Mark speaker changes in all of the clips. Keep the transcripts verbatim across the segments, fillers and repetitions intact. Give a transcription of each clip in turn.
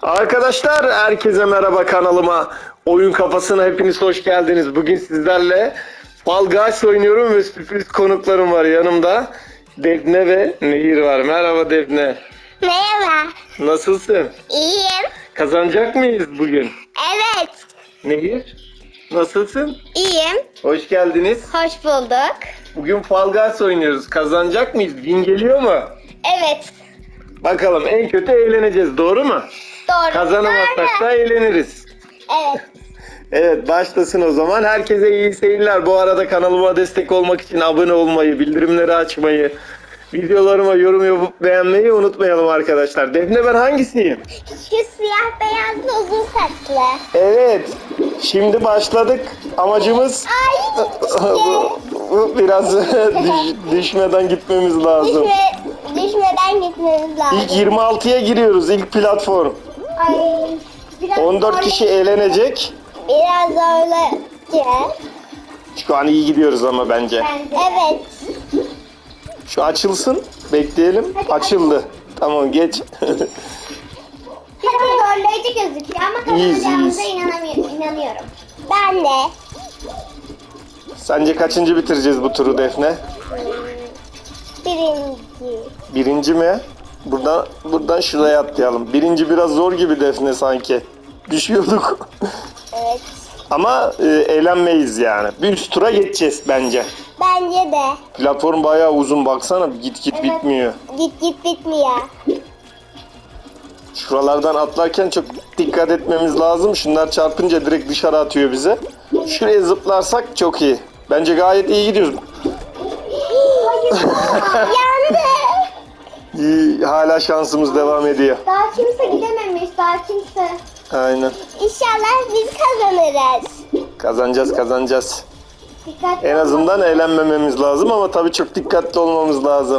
Speaker 1: Arkadaşlar herkese merhaba, kanalıma Oyun Kafasına hepiniz hoş geldiniz. Bugün sizlerle Fall Guys oynuyorum ve sürpriz konuklarım var yanımda. Defne ve Nehir var. Merhaba Defne.
Speaker 2: Merhaba.
Speaker 1: Nasılsın?
Speaker 2: İyiyim.
Speaker 1: Kazanacak mıyız bugün?
Speaker 2: Evet.
Speaker 1: Nehir nasılsın?
Speaker 2: İyiyim.
Speaker 1: Hoş geldiniz.
Speaker 2: Hoş bulduk.
Speaker 1: Bugün Fall Guys oynuyoruz. Kazanacak mıyız? Win geliyor mu?
Speaker 2: Evet.
Speaker 1: Bakalım, en kötü eğleneceğiz, doğru mu?
Speaker 2: Doğru.
Speaker 1: Kazanamazsak
Speaker 2: Doğru.
Speaker 1: da eğleniriz.
Speaker 2: Evet.
Speaker 1: Evet, başlasın o zaman. Herkese iyi seyirler. Bu arada kanalıma destek olmak için abone olmayı, bildirimleri açmayı, videolarıma yorum yapıp beğenmeyi unutmayalım arkadaşlar. Defne, ben hangisiyim?
Speaker 2: Şu siyah beyazlı uzun saçlı.
Speaker 1: Evet. Şimdi başladık. Amacımız
Speaker 2: Ay.
Speaker 1: bu, bu biraz düş- düşmeden gitmemiz lazım.
Speaker 2: Düşme, düşmeden gitmemiz lazım.
Speaker 1: İlk yirmi altıya giriyoruz. İlk platform.
Speaker 2: Ay. Biraz
Speaker 1: on dört
Speaker 2: zorla-
Speaker 1: kişi eğlenecek.
Speaker 2: Biraz zorlayacağız.
Speaker 1: Şu an iyi gidiyoruz ama bence.
Speaker 2: Evet.
Speaker 1: Şu açılsın. Bekleyelim. Açıldı. Tamam, geç.
Speaker 2: Biraz zorlayıcı gözüküyor ama
Speaker 1: İyiyiz,
Speaker 2: kazanacağımıza
Speaker 1: iyiyiz.
Speaker 2: inanamıyorum, inanıyorum. Ben de.
Speaker 1: Sence kaçıncı bitireceğiz bu turu Defne?
Speaker 2: Birinci.
Speaker 1: Birinci mi? Buradan buradan şuraya atlayalım. Birinci biraz zor gibi Defne sanki. Düşüyorduk.
Speaker 2: Evet.
Speaker 1: Ama e, eğlenmeyiz yani. Bir üst tura geçeceğiz bence.
Speaker 2: Bence de.
Speaker 1: Platform bayağı uzun, baksana, git git
Speaker 2: Evet.
Speaker 1: bitmiyor.
Speaker 2: Git git bitmiyor.
Speaker 1: Şuralardan atlarken çok dikkat etmemiz lazım. Şunlar çarpınca direkt dışarı atıyor bize. Şuraya zıplarsak çok iyi. Bence gayet iyi gidiyoruz.
Speaker 2: Yandı.
Speaker 1: İyi, hala şansımız devam ediyor.
Speaker 2: Daha kimse gidememiş. Daha kimse.
Speaker 1: Aynen.
Speaker 2: İnşallah biz kazanırız.
Speaker 1: Kazanacağız kazanacağız.
Speaker 2: Dikkatli
Speaker 1: En
Speaker 2: olun.
Speaker 1: azından eğlenmememiz lazım ama tabii çok dikkatli olmamız lazım.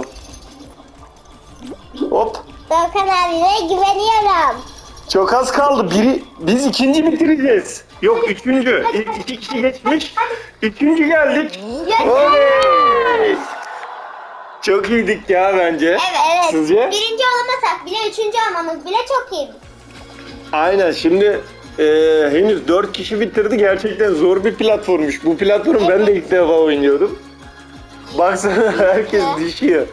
Speaker 1: Hop.
Speaker 2: Doğukan abime güveniyorum.
Speaker 1: Çok az kaldı. Biri, biz ikinci bitireceğiz. Yok, üçüncü. İlk iki kişi geçmiş. Üçüncü geldik. Oley! Çok iyiydik ya bence.
Speaker 2: Evet evet.
Speaker 1: Sizce?
Speaker 2: Birinci olamasak bile üçüncü olmamız bile çok iyi.
Speaker 1: Aynen. Şimdi e, henüz dört kişi bitirdi. Gerçekten zor bir platformmuş. Bu platformu ben de ilk defa oynuyorum. Baksana, herkes düşüyor.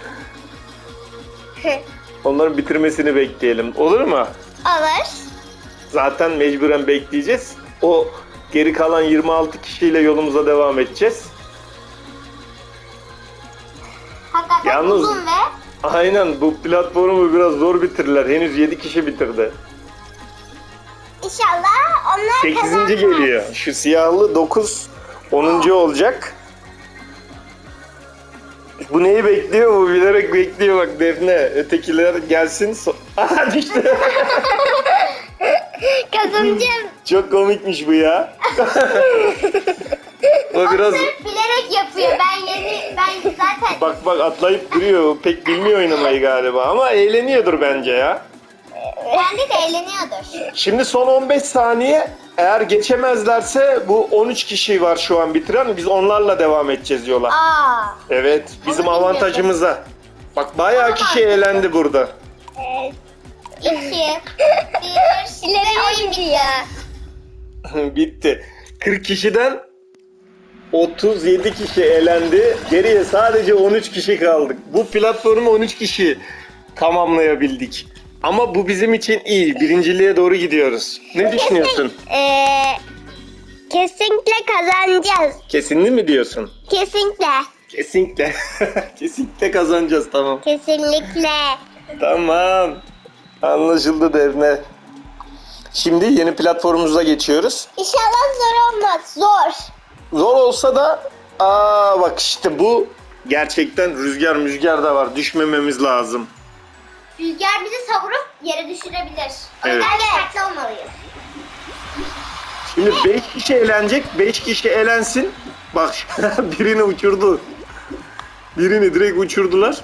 Speaker 1: Onların bitirmesini bekleyelim. Olur mu?
Speaker 2: Olur.
Speaker 1: Zaten mecburen bekleyeceğiz. O geri kalan yirmi altı kişiyle yolumuza devam edeceğiz.
Speaker 2: Hakikaten
Speaker 1: Yalnız-
Speaker 2: uzun ve
Speaker 1: Aynen, bu platformu biraz zor bitirdiler. Henüz yedi kişi bitirdi.
Speaker 2: inşallah onlar
Speaker 1: sekizinci
Speaker 2: kazanmaz.
Speaker 1: geliyor. Şu siyahlı dokuz, onuncu olacak. Bu neyi bekliyor? Bu bilerek bekliyor bak Defne. Ötekiler gelsin. So Aha, düştü.
Speaker 2: Kazanacağım.
Speaker 1: Çok komikmiş bu ya. O biraz
Speaker 2: Sırf bilerek yapıyor. Ben yeni, ben zaten
Speaker 1: bak bak atlayıp duruyor. Pek bilmiyor oynamayı galiba ama eğleniyordur bence ya.
Speaker 2: kendi de eğleniyordur.
Speaker 1: Şimdi son on beş saniye, eğer geçemezlerse bu on üç kişi var şu an bitiren. Biz onlarla devam edeceğiz yola.
Speaker 2: Aa.
Speaker 1: Evet, bizim
Speaker 2: Onu
Speaker 1: avantajımıza. Bak bayağı kişi eğlendi burada.
Speaker 2: Evet. İki. Bir. İleri oyun bitiyor.
Speaker 1: Bitti. kırk kişiden otuz yedi kişi elendi. Geriye sadece on üç kişi kaldık. Bu platformu on üç kişi tamamlayabildik. Ama bu bizim için iyi. Birinciliğe doğru gidiyoruz. Ne düşünüyorsun?
Speaker 2: Ee, kesinlikle kazanacağız.
Speaker 1: Kesinli mi diyorsun?
Speaker 2: Kesinlikle.
Speaker 1: Kesinlikle. Kesinlikle kazanacağız, tamam.
Speaker 2: Kesinlikle.
Speaker 1: Tamam. Anlaşıldı Defne. Şimdi yeni platformumuza geçiyoruz.
Speaker 2: İnşallah zor olmaz. Zor.
Speaker 1: Zor olsa da aa bak işte bu gerçekten rüzgar müzgar da var. Düşmememiz lazım.
Speaker 2: Rüzgar bizi savurup yere düşürebilir. O
Speaker 1: Evet.
Speaker 2: yüzden dikkatli olmalıyız.
Speaker 1: Şimdi beş kişi eğlenecek. beş kişi elensin. Bak birini uçurdu. Birini direkt uçurdular.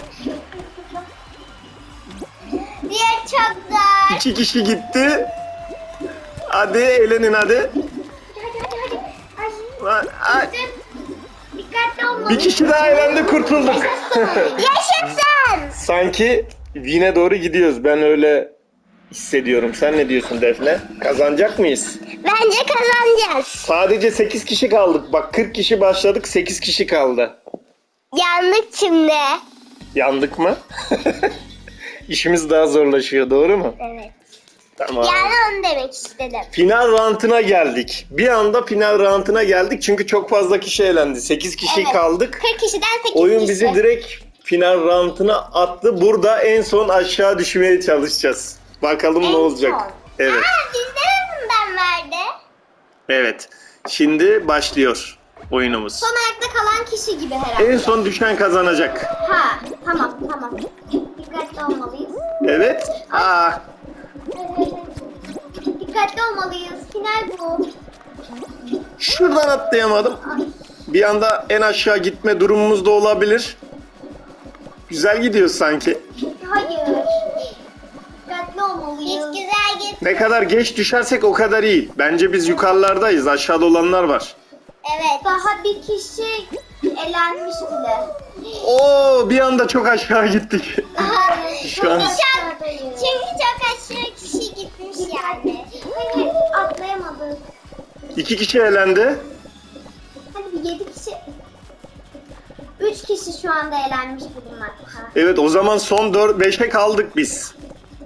Speaker 2: Diğer çok zor.
Speaker 1: iki kişi gitti. Hadi eğlenin hadi.
Speaker 2: Hadi hadi hadi. Ay.
Speaker 1: Ay,
Speaker 2: Dikkatli olmalıyız.
Speaker 1: bir kişi daha eğlendi, kurtulduk.
Speaker 2: Yaşasın.
Speaker 1: Sanki Win'e doğru gidiyoruz. Ben öyle hissediyorum. Sen ne diyorsun Defne? Kazanacak mıyız?
Speaker 2: Bence kazanacağız.
Speaker 1: Sadece sekiz kişi kaldık. Bak kırk kişi başladık, sekiz kişi kaldı.
Speaker 2: Yandık şimdi.
Speaker 1: Yandık mı? İşimiz daha zorlaşıyor, doğru mu?
Speaker 2: Evet.
Speaker 1: Tamam.
Speaker 2: Yani onu demek istedim.
Speaker 1: Final round'una geldik. Bir anda final round'una geldik çünkü çok fazla kişi elendi. sekiz kişi
Speaker 2: Evet.
Speaker 1: kaldık.
Speaker 2: kırk kişiden sekiz
Speaker 1: Oyun
Speaker 2: kişi.
Speaker 1: bizi direkt final round'una attı. Burada en son aşağı düşmeye çalışacağız. Bakalım
Speaker 2: En
Speaker 1: ne olacak.
Speaker 2: son.
Speaker 1: Evet.
Speaker 2: Aa, bizde de bundan verdi.
Speaker 1: Evet. Şimdi başlıyor oyunumuz.
Speaker 2: Son ayakta kalan kişi gibi herhalde.
Speaker 1: En son düşen kazanacak.
Speaker 2: Ha, tamam tamam. Dikkatli olmalıyız.
Speaker 1: Evet. Aa,
Speaker 2: Dikkatli olmalıyız. Final bu.
Speaker 1: şuradan atlayamadım.
Speaker 2: Ay.
Speaker 1: Bir anda en aşağı gitme durumumuz da olabilir. Güzel gidiyor sanki.
Speaker 2: Hayır. Dikkatli olmalıyız. Hiç güzel git.
Speaker 1: Ne kadar geç düşersek o kadar iyi. Bence biz yukarılardayız. Aşağıda olanlar var.
Speaker 2: Evet. Daha bir kişi elenmiş bile.
Speaker 1: Oo, bir anda çok aşağı gittik. Şu an-
Speaker 2: Çünkü çok, çünkü çok aşırı kişi gitmiş yani. Hayır, atlayamadık.
Speaker 1: İki kişi elendi.
Speaker 2: Hadi bir yedi kişi. Üç kişi şu anda elenmiş bulunmakta.
Speaker 1: Evet, o zaman son dört beşe kaldık biz.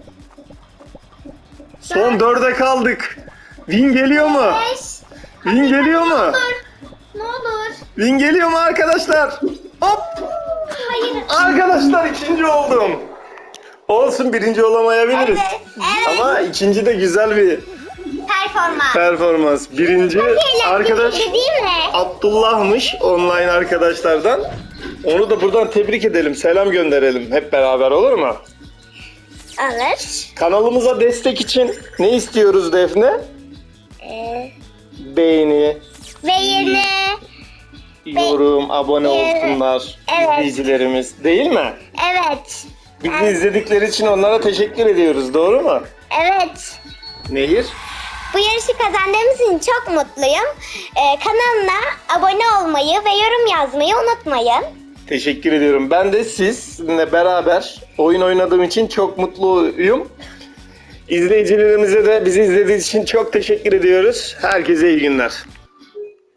Speaker 1: Son dörde kaldık. Win geliyor mu?
Speaker 2: Beş.
Speaker 1: Win geliyor
Speaker 2: Ne
Speaker 1: mu?
Speaker 2: olur. Ne olur.
Speaker 1: Win geliyor mu arkadaşlar? Hop!
Speaker 2: Hayır.
Speaker 1: Arkadaşlar ikinci oldum. Olsun, birinci olamayabiliriz.
Speaker 2: Evet, evet.
Speaker 1: Ama ikinci de güzel bir
Speaker 2: Performans.
Speaker 1: performans. Birinci arkadaş
Speaker 2: Değil mi?
Speaker 1: Abdullah'mış, online arkadaşlardan. Onu da buradan tebrik edelim, selam gönderelim hep beraber, olur mu?
Speaker 2: Alır.
Speaker 1: Kanalımıza destek için ne istiyoruz Defne?
Speaker 2: Ee,
Speaker 1: Beğeni,
Speaker 2: ve yine
Speaker 1: yorum, abone
Speaker 2: Evet.
Speaker 1: olsunlar
Speaker 2: Evet.
Speaker 1: izleyicilerimiz, değil mi?
Speaker 2: evet.
Speaker 1: Bizi izledikleri için onlara teşekkür ediyoruz, doğru mu?
Speaker 2: Evet.
Speaker 1: Nehir?
Speaker 2: Bu yarışı kazandığımız için çok mutluyum. Ee, kanalına abone olmayı ve yorum yazmayı unutmayın.
Speaker 1: Teşekkür ediyorum. Ben de sizinle beraber oyun oynadığım için çok mutluyum. İzleyicilerimize de bizi izlediğiniz için çok teşekkür ediyoruz. Herkese iyi günler.